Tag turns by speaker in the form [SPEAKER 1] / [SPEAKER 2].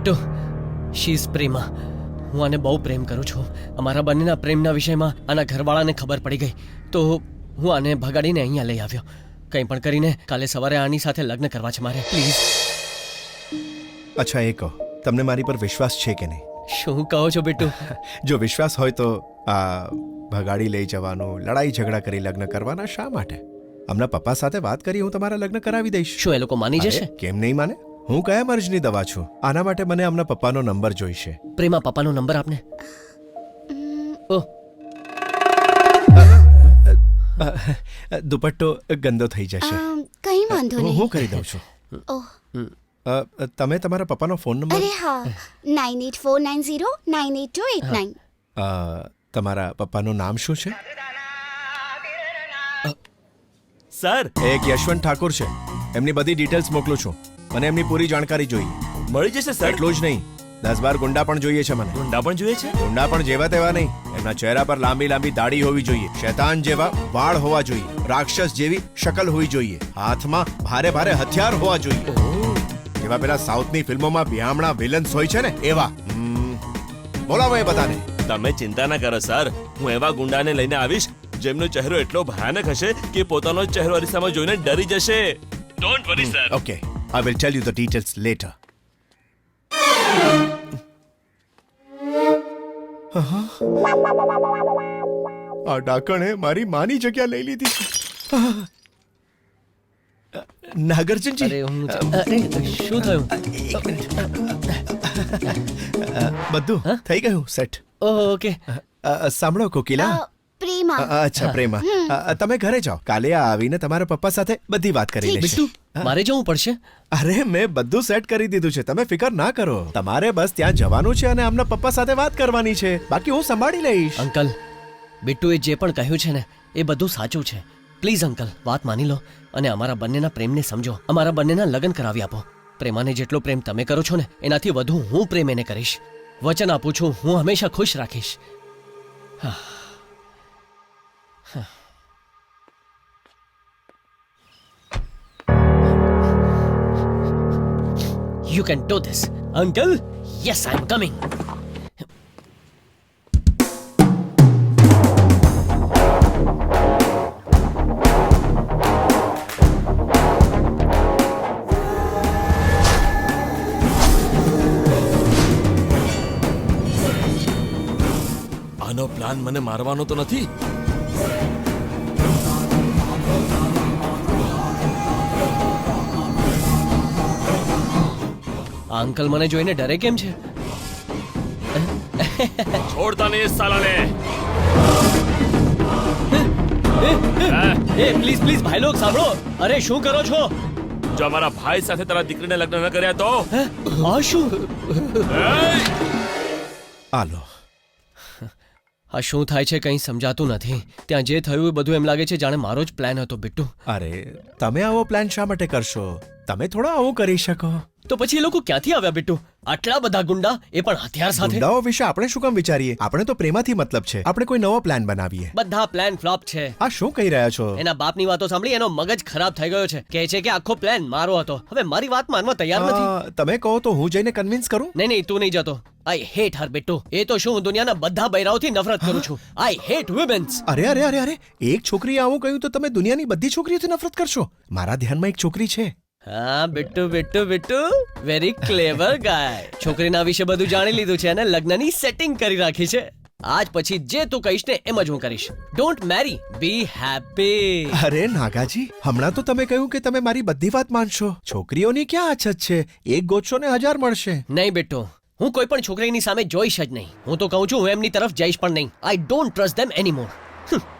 [SPEAKER 1] Bittu, she is Prema. હું આને બહુ પ્રેમ કરું છું. અમારા બંનેના પ્રેમના વિષયમાં આના ઘરવાળાને ખબર પડી ગઈ તો હું આને ભગાડીને અહીંયા લઈ આવ્યો. કંઈ પણ કરીને કાલે સવારે આની સાથે લગ્ન કરવા છે મારે. પ્લીઝ.
[SPEAKER 2] અચ્છા, એ કહો, તમને મારી પર વિશ્વાસ છે કે નહીં?
[SPEAKER 1] શું કહો છો બિટ્ટુ?
[SPEAKER 2] જો વિશ્વાસ હોય તો આ ભગાડી લઈ જવાનું, લડાઈ ઝઘડા કરી લગ્ન કરવાના શા માટે? હમણાં પપ્પા સાથે વાત કરી, હું તમારા લગ્ન કરાવી દઈશ.
[SPEAKER 1] શું એ લોકો માની જશે?
[SPEAKER 2] અરે, કેમ નહીં માને? હું કયા મર્જની દવા છું? આના માટે મને હમણાં પપ્પાનો નંબર જોઈશે.
[SPEAKER 1] પ્રેમા, પપ્પાનો નંબર આપને. ઓહ,
[SPEAKER 2] દુપટ્ટો ગંદો થઈ જશે.
[SPEAKER 3] કઈ વાંધો નહીં.
[SPEAKER 2] હું કરી દઉં છું.
[SPEAKER 3] ઓહ,
[SPEAKER 2] તમે તમારા પપ્પાનો ફોન નંબર?
[SPEAKER 3] અરે હા, 9849098289.
[SPEAKER 2] તમારા પપ્પાનું નામ શું છે?
[SPEAKER 4] સર,
[SPEAKER 2] એક યશવંત ઠાકોર છે. એમની બધી ડિટેલ્સ મોકલું છું. મને એમની પૂરી જાણકારી જોઈએ.
[SPEAKER 4] મળી જશે સર.
[SPEAKER 2] એટલું જ નહીં, 10-12 ગુંડા પણ જોઈએ છે મને.
[SPEAKER 4] ગુંડા પણ જોઈએ છે.
[SPEAKER 2] ગુંડા પણ જેવા તેવા નહીં. એમના ચહેરા પર લાંબી લાંબી દાઢી હોવી જોઈએ, શૈતાન જેવા વાળ હોવા જોઈએ, રાક્ષસ જેવી શકલ હોવી જોઈએ, હાથમાં ભારે ભારે હથિયાર હોવા જોઈએ, જેવા પેલા સાઉથની ફિલ્મોમાં બિહામણા વિલન્સ હોય છે ને એવા. બોલાવો એ બધાને.
[SPEAKER 4] તમે ચિંતા ના કરો સર, હું એવા ગુંડાને લઈને આવીશ જેમનો ચહેરો એટલો ભયાનક હશે કે પોતાનો જ ચહેરો અરીસામાં જોઈને ડરી જશે. Don't worry sir.
[SPEAKER 2] Okay, I will tell you the details later. આ ડાકણે મારી માની જગ્યા લઈ લીધી છે. નાગાર્જુનજી,
[SPEAKER 1] અરે અરે શું થયું?
[SPEAKER 2] બધું થઈ ગયું સેટ.
[SPEAKER 1] ઓકે.
[SPEAKER 2] સાંભળો કોકિલા.
[SPEAKER 3] પ્રેમા.
[SPEAKER 2] અચ્છા પ્રેમા, તમે ઘરે જાઓ. કાલે આ આવીને તમારા પપ્પા સાથે બધી વાત કરી લેશે.
[SPEAKER 1] બિટ્ટુ, મારે જવું પડશે?
[SPEAKER 2] અરે, મેં બધું સેટ કરી દીધું છે, તમે ફિકર ના કરો. તમારે બસ ત્યાં જવાનું છે અને આમના પપ્પા સાથે વાત કરવાની છે. બાકી હું સંભાળી લઈશ.
[SPEAKER 1] અંકલ, બિટ્ટુએ જે પણ કહ્યું છે ને એ બધું સાચું છે. પ્લીઝ અંકલ, વાત માની લો અને અમારા બંનેના પ્રેમને સમજો. અમારા બંનેના લગ્ન કરાવી આપો. પ્રેમાને જેટલો પ્રેમ તમે કરો છો ને એનાથી વધુ હું પ્રેમ એને કરીશ. વચન આપું છું, હું હંમેશા ખુશ રાખીશ. You can do this, uncle. Yes, I'm coming.
[SPEAKER 4] આનો પ્લાન મને મારવાનો તો નથી?
[SPEAKER 1] આ અંકલ મને જોઈને ડરે કેમ છે?
[SPEAKER 4] છોડતા નહીં સાલાને.
[SPEAKER 1] એ પ્લીઝ પ્લીઝ ભાઈ લોગ સાંભળો. અરે શું કરો છો?
[SPEAKER 4] જો અમારા ભાઈ સાથે તારા દીકરીને લગ્ન ન કર્યા તો?
[SPEAKER 1] આ શું?
[SPEAKER 2] આલો.
[SPEAKER 1] આ શું થાય છે કંઈ સમજાતું નથી. ત્યાં જે થયું એ બધું એમ લાગે છે જાણે મારો જ પ્લાન હતો. બિટ્ટુ,
[SPEAKER 2] અરે, તમે આવો પ્લાન શા માટે કરશો? તમે થોડો આવું કરી શકો.
[SPEAKER 1] તો પછી એ લોકો ક્યાંથી આવ્યા બિટ્ટુ? આટલા બધા ગુંડા, એ પણ હથિયાર સાથે.
[SPEAKER 2] ગુંડાઓ વિશે આપણે શું કામ વિચારીએ? આપણે તો પ્રેમાથી મતલબ છે. આપણે કોઈ નવો પ્લાન બનાવીએ.
[SPEAKER 1] બધા પ્લાન ફ્લોપ છે.
[SPEAKER 2] આ શું કહી રહ્યા છો?
[SPEAKER 1] એના બાપની વાતો સાંભળી એનો મગજ ખરાબ થઈ ગયો છે. કહે છે કે આખો પ્લાન મારો હતો. હવે મારી વાત માનવા તૈયાર નથી.
[SPEAKER 2] તમે કહો તો હું જઈને કન્વિન્સ કરું.
[SPEAKER 1] નહીં નહીં, તું નહીં જતો. આઈ હેટ હર બિટ્ટુ. એ તો શું, હું દુનિયાના બધા બૈરાઓથી નફરત કરું છું. I hate womens.
[SPEAKER 2] અરે અરે અરે અરે, એક છોકરીએ આવું કહ્યું તો તમે દુનિયાની બધી છોકરીઓથી નફરત કરશો? મારા ધ્યાનમાં એક છોકરી છે.
[SPEAKER 1] હા Bittu Bittu Bittu, very clever guy. છોકરીના વિશે બધું જાણી લીધું છે અને લગ્નની સેટિંગ કરી રાખી છે. આજ પછી જે તું કહીશ ને એમ જ હું કરીશ. Don't marry, be happy.
[SPEAKER 2] અરે નાગાજી, હમણાં તો તમે કહ્યું કે તમે મારી બધી વાત માનશો. છોકરીઓની ક્યાં અછત છે? એક ગોતશો ને 1000 મળશે.
[SPEAKER 1] નહીં બિટ્ટુ, હું કોઈ પણ છોકરીની સામે જોઈશ જ નહીં. હું તો કહું છું હું એમની તરફ જઈશ પણ નહીં. I don't trust them એનીમોર.